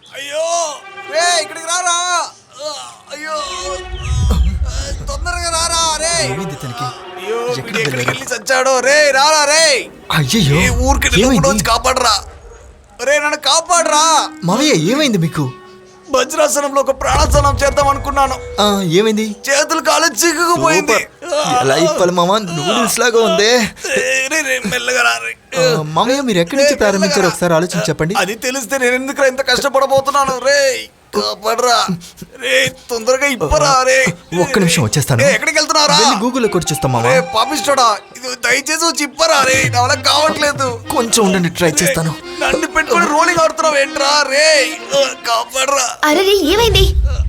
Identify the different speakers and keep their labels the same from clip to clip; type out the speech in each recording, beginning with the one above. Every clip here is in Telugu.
Speaker 1: అయ్యో రే ఇక్కడికి రారా. అయ్యో తొందరగా రారా రే. అయ్యో ఎక్కడికి వెళ్ళి చచ్చాడో రే. రారా రే.
Speaker 2: అయ్యో
Speaker 1: ఊరికి కాపాడరా రే. నన్ను కాపాడరా.
Speaker 2: మావయ్య ఏమైంది మీకు?
Speaker 1: వజ్రాసనంలో ఒక ప్రాణాసనం చేద్దాం అనుకున్నాను.
Speaker 2: ఏమైంది?
Speaker 1: చేతులు కాలు చిక్కుకుపోయింది.
Speaker 2: మామ నూడిల్స్ లాగా ఉంది.
Speaker 1: మెల్లగా రా.
Speaker 2: మామయ్య మీరు ఎక్కడి నుంచి ప్రారంభించారు ఒకసారి ఆలోచించి చెప్పండి.
Speaker 1: అది తెలిస్తే నేను ఎందుకు ఇంత కష్టపడబోతున్నాను రే. కాపాడరా రే. తొందరగా ఇప్పరా రే.
Speaker 2: ఒక్క నిమిషం వచ్చేస్తాను.
Speaker 1: ఎక్కడికి వెళ్తున్నారా?
Speaker 2: గూగుల్లో కొట్టి చూస్తాం మామ.
Speaker 1: పాపిస్తాడా ఇది దయచేసి వచ్చి ఇప్పరా రే. నా వల్ల కావట్లేదు.
Speaker 2: కొంచెం ఉండండి ట్రై చేస్తాను.
Speaker 1: నన్ను పెట్టుకుని రోలింగ్ ఆడుతున్నావు ఏంట్రా రే. కాపాడరా.
Speaker 3: అరే ఏమైంది?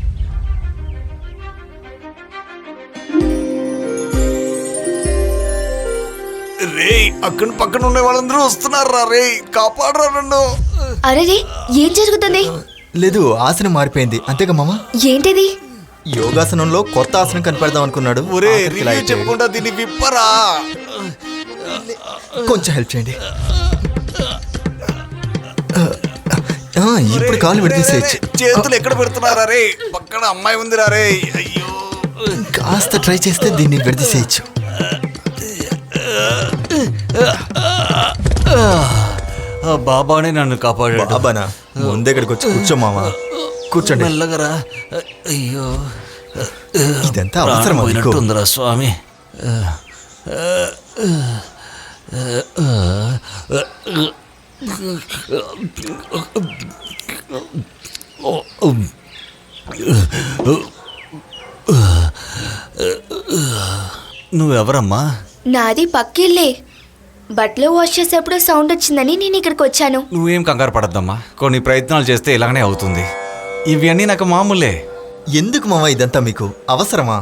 Speaker 1: రే అక్కడ పక్కన ఉండే వాళ్ళందరూ వస్తున్నారా రే. కాపాడరా నన్ను.
Speaker 3: అరే ఏం జరుగుతుంది?
Speaker 2: లేదు ఆసనం మారిపోయింది అంతేగా మామ.
Speaker 3: ఏంటిది?
Speaker 2: యోగాసనంలో కొత్త ఆసనం కనిపెడదాం అనుకున్నాడు.
Speaker 1: చెప్పుకుంటా దీన్ని విప్పరా.
Speaker 2: కొంచెం హెల్ప్ చేయండి. ఇప్పుడు కాలు విడితీసేయచ్చు.
Speaker 1: చేతులు ఎక్కడ పెడుతున్నారా రే. పక్కన అమ్మాయి ఉందిరా రే. అయ్యో
Speaker 2: కాస్త ట్రై చేస్తే దీన్ని విడితీసేయచ్చు.
Speaker 1: బాబానే నన్ను కాపాడాడు.
Speaker 2: బాబానా? ముందెక్కడికి వచ్చి కూర్చో మామ. కూర్చోండి.
Speaker 1: మెల్లగరా. అయ్యో
Speaker 2: ఇదంతా అవసరమా మీకు?
Speaker 1: ఉందిరా స్వామి. నువ్వెవరమ్మా?
Speaker 3: నాది పక్కిల్లే. బట్టలు వాష్ చేసేప్పుడు సౌండ్ వచ్చిందని నేను ఇక్కడికి వచ్చాను.
Speaker 1: నువ్వేం కంగారు పడద్దమ్మా. కొన్ని ప్రయత్నాలు చేస్తే ఇలాగనే అవుతుంది. ఇవన్నీ నాకు మామూలే.
Speaker 2: ఎందుకు మామ ఇదంతా మీకు అవసరమా?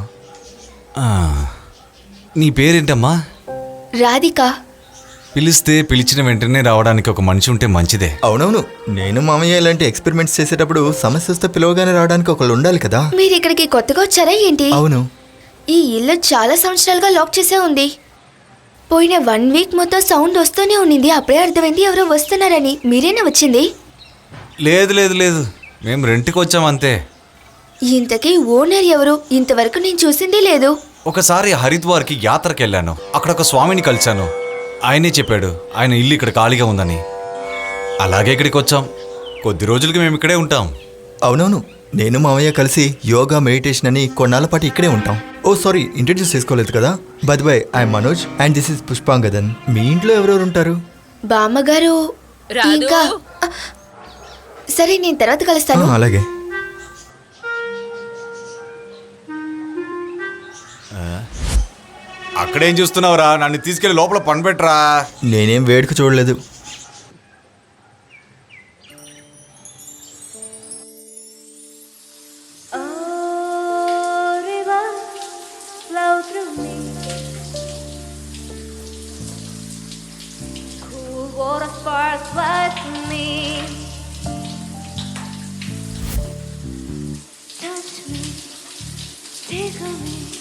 Speaker 1: నీ పేరేంటమ్మా?
Speaker 3: రాధిక.
Speaker 1: పిలిస్తే పిలిచిన వెంటనే రావడానికి ఒక మనిషి ఉంటే మంచిదే.
Speaker 2: అవునవును. నేను మామయ్య ఇలాంటి ఎక్స్పెరిమెంట్స్ చేసేటప్పుడు సమస్య వస్తే పిలవగానే రావడానికి ఒకళ్ళు ఉండాలి కదా.
Speaker 3: మీరు ఇక్కడికి కొత్తగా వచ్చారా ఏంటి?
Speaker 2: అవును.
Speaker 3: ఈ ఇల్లు చాలా సంవత్సరాలుగా లాక్ చేసే ఉంది. పోయిన 1 వీక్ మొత్తం సౌండ్ వస్తూనే ఉండింది. అప్పుడే అర్థమైంది ఎవరో వస్తున్నారని. మీరేనా వచ్చింది?
Speaker 1: లేదు లేదు లేదు, మేము రెంట్కి వచ్చాం అంతే.
Speaker 3: ఇంతకీ ఓనర్ ఎవరు? ఇంతవరకు నేను చూసిందే లేదు.
Speaker 1: ఒకసారి హరిద్వార్కి యాత్రకి వెళ్ళాను. అక్కడ ఒక స్వామిని కలిశాను. ఆయనే చెప్పాడు ఆయన ఇల్లు ఇక్కడ ఖాళీగా ఉందని. అలాగే ఇక్కడికి వచ్చాం. కొద్ది రోజులకి మేము ఇక్కడే ఉంటాం.
Speaker 2: అవునవును. నేను మామయ్య కలిసి యోగా మెడిటేషన్ అని కొన్నాళ్ళ పాటు ఇక్కడే ఉంటాం. ఓ సారీ, ఇంట్రడ్యూస్ చేసుకోలేదు కదా. By the way, I'm Manoj and this is Pushpangadan. మీ ఇంట్లో ఎవరెవరు ఉంటారు?
Speaker 3: బామ్మగారు ఇంకా. సరే నేను తర్వాత కలుస్తాను.
Speaker 2: అలాగే.
Speaker 1: అక్కడేం చూస్తున్నావురా? నన్ను తీసుకెళ్లి లోపల పని పెట్టరా.
Speaker 2: నేనేం వేడుక చూడలేదు.
Speaker 4: Touch me, tickle me.